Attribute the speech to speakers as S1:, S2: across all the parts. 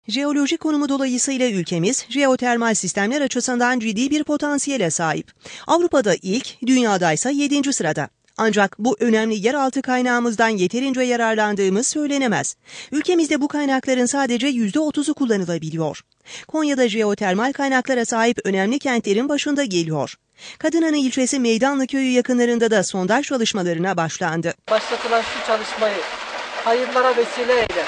S1: Jeolojik konumu dolayısıyla ülkemiz jeotermal sistemler açısından ciddi bir potansiyele sahip. Avrupa'da ilk, dünyadaysa 7. sırada. Ancak bu önemli yeraltı kaynağımızdan yeterince yararlandığımız söylenemez. Ülkemizde bu kaynakların sadece %30'u kullanılabiliyor. Konya'da jeotermal kaynaklara sahip önemli kentlerin başında geliyor. Kadınanı ilçesi Meydanlı köyü yakınlarında da sondaj çalışmalarına başlandı.
S2: Başlatılan şu çalışmayı hayırlara vesile eyle.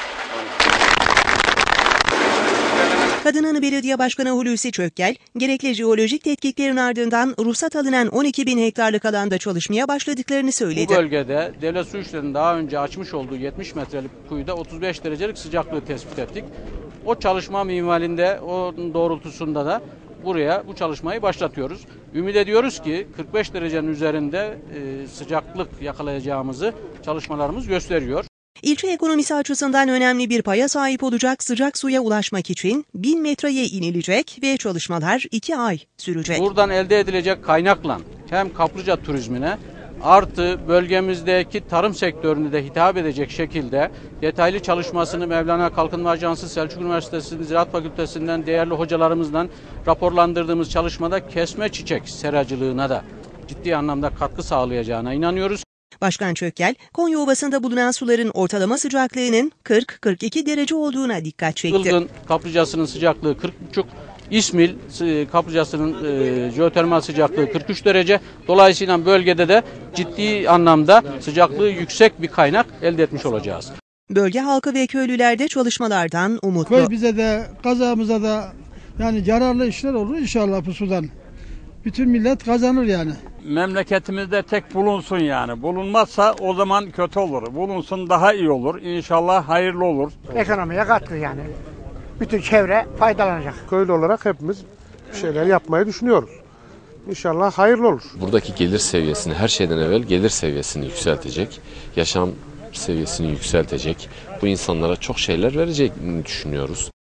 S1: Kadınanı Belediye Başkanı Hulusi Çökkel, gerekli jeolojik tetkiklerin ardından ruhsat alınan 12.000 hektarlık alanda çalışmaya başladıklarını söyledi.
S3: Bu bölgede Devlet Su İşleri'nin daha önce açmış olduğu 70 metrelik kuyuda 35 derecelik sıcaklığı tespit ettik. O çalışma minvalinde, o doğrultusunda da buraya bu çalışmayı başlatıyoruz. Ümit ediyoruz ki 45 derecenin üzerinde sıcaklık yakalayacağımızı çalışmalarımız gösteriyor.
S1: İlçe ekonomisi açısından önemli bir paya sahip olacak sıcak suya ulaşmak için 1000 metreye inilecek ve çalışmalar 2 ay sürecek.
S3: Buradan elde edilecek kaynakla hem kaplıca turizmine artı bölgemizdeki tarım sektörüne de hitap edecek şekilde detaylı çalışmasını Mevlana Kalkınma Ajansı, Selçuk Üniversitesi Ziraat Fakültesinden değerli hocalarımızdan raporlandırdığımız çalışmada kesme çiçek seracılığına da ciddi anlamda katkı sağlayacağına inanıyoruz.
S1: Başkan Çökkel, Konya Ovası'nda bulunan suların ortalama sıcaklığının 40-42 derece olduğuna dikkat çekti.
S3: Ilgın kaplıcasının sıcaklığı 40,5, İsmil kaplıcasının jeotermal sıcaklığı 43 derece. Dolayısıyla bölgede de ciddi anlamda sıcaklığı yüksek bir kaynak elde etmiş olacağız.
S1: Bölge halkı ve köylüler de çalışmalardan umutlu.
S4: Köy bize de kazamıza da yani yararlı işler olur inşallah bu sudan. Bütün millet kazanır yani.
S5: Memleketimizde tek bulunsun yani. Bulunmazsa o zaman kötü olur. Bulunsun daha iyi olur. İnşallah hayırlı olur.
S6: Ekonomiye katkı yani. Bütün çevre faydalanacak.
S7: Köylü olarak hepimiz bir şeyler yapmayı düşünüyoruz. İnşallah hayırlı olur.
S8: Buradaki gelir seviyesini, her şeyden evvel gelir seviyesini yükseltecek, yaşam seviyesini yükseltecek, bu insanlara çok şeyler vereceğini düşünüyoruz.